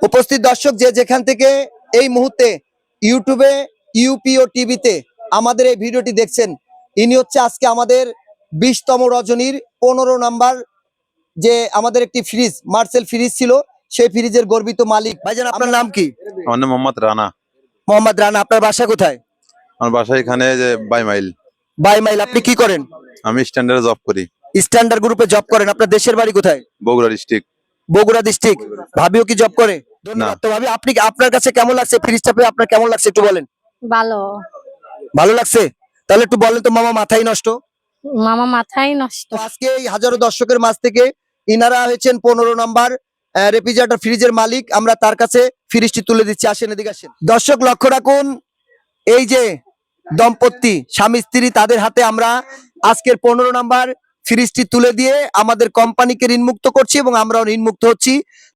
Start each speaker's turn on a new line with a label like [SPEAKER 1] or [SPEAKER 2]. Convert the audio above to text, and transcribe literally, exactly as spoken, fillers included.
[SPEAKER 1] উপস্থিত দর্শক যে যেখান থেকে এই মুহূর্তে ইউটিউবে ইউপিও টিভিতে আমাদের এই ভিডিওটি দেখছেন, ইনি হচ্ছে আজকে আমাদের বিশতম রজনীর পনেরো নাম্বার যে আমাদের একটি ফ্রিজ মার্সেল ফ্রিজ ছিল, সেই ফ্রিজের গর্বিত মালিক। ভাইজান আপনার নাম কি?
[SPEAKER 2] আমার নাম মোহাম্মদ রানা।
[SPEAKER 1] মোহাম্মদ রানা। আপনার বাসা কোথায়?
[SPEAKER 2] আমার বাসা এখানে যে বাইমাইল।
[SPEAKER 1] বাইমাইল। আপনি কি করেন?
[SPEAKER 2] আমি স্ট্যান্ডার্ডে জব করি।
[SPEAKER 1] স্ট্যান্ডার্ড গ্রুপে জব করেন। আপনার দেশের বাড়ি কোথায়?
[SPEAKER 2] বগুড়া ডিস্ট্রিক্ট।
[SPEAKER 1] বগুড়া ডিস্ট্রিক্ট। ভাবিও কি জব করে? ধন্যবাদ। তো ভাবি, আপনি আপনার কাছে কেমন লাগছে ফ্রিজটা পেয়ে? আপনার কেমন লাগছে একটু বলেন।
[SPEAKER 3] ভালো।
[SPEAKER 1] ভালো লাগছে? তাহলে একটু বলেন তো মামা, মাথাই নষ্ট।
[SPEAKER 3] মামা মাথাই নষ্ট।
[SPEAKER 1] তো আজকে এই হাজারো দর্শকের মাঝ থেকে ইনারা হয়েছেন পনেরো নাম্বার রেফ্রিজারেটর ফ্রিজের মালিক। আমরা তার কাছে ফ্রিজটি তুলে দিচ্ছি। আসেন, এদিকে আসেন। দর্শক লক্ষ্য রাখুন, এই যে দম্পতি স্বামী স্ত্রী, তাদের হাতে আমরা আজকের পনেরো নাম্বার ফ্রিজটি তুলে দিয়ে আমাদের কোম্পানিকে ঋণমুক্ত করছি এবং আমরাও ঋণমুক্ত হচ্ছি।